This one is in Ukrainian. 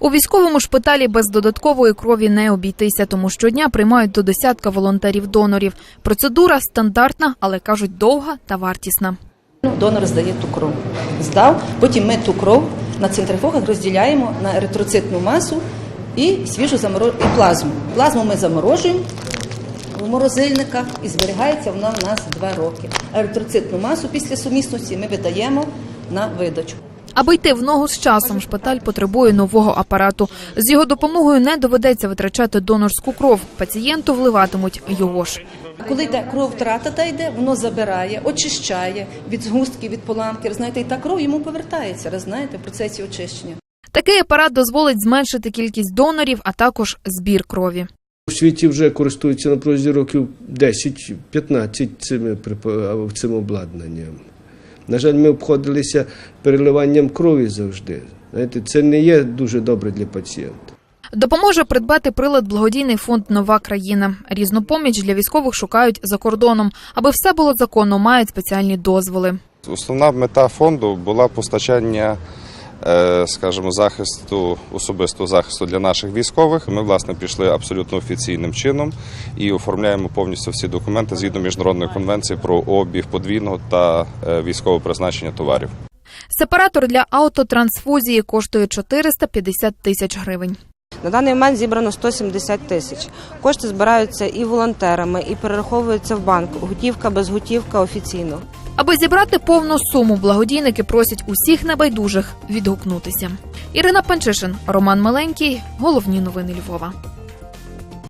У військовому шпиталі без додаткової крові не обійтися, тому щодня приймають до десятка волонтерів-донорів. Процедура стандартна, але, кажуть, довга та вартісна. Донор здає ту кров. Здав, потім ми ту кров на центрифугах розділяємо на еритроцитну масу і свіжу і плазму. Плазму ми заморожуємо в морозильниках і зберігається вона в нас 2 роки. Еритроцитну масу після сумісності ми видаємо на видачу. Аби йти в ногу з часом, шпиталь потребує нового апарату. З його допомогою не доведеться витрачати донорську кров. Пацієнту вливатимуть його ж. Коли йде кров, втрата та йде, воно забирає, очищає від згустків, від поламки. Знаєте, і та кров йому повертається, знаєте, в процесі очищення. Такий апарат дозволить зменшити кількість донорів, а також збір крові. У світі вже користуються на протязі років 10-15 цим обладнанням. На жаль, ми обходилися переливанням крові завжди. Знаєте, це не є дуже добре для пацієнта. Допоможе придбати прилад благодійний фонд «Нова країна». Різну поміч для військових шукають за кордоном. Аби все було законно, мають спеціальні дозволи. Основна мета фонду була постачання, скажімо, особистого захисту для наших військових. Ми, власне, пішли абсолютно офіційним чином і оформляємо повністю всі документи згідно Міжнародної конвенції про обіг подвійного та військового призначення товарів. Сепаратор для автотрансфузії коштує 450 тисяч гривень. На даний момент зібрано 170 тисяч. Кошти збираються і волонтерами, і перераховуються в банк. Готівка, безготівка, офіційно. Аби зібрати повну суму, благодійники просять усіх небайдужих відгукнутися. Ірина Панчишин, Роман Миленький. Головні новини Львова.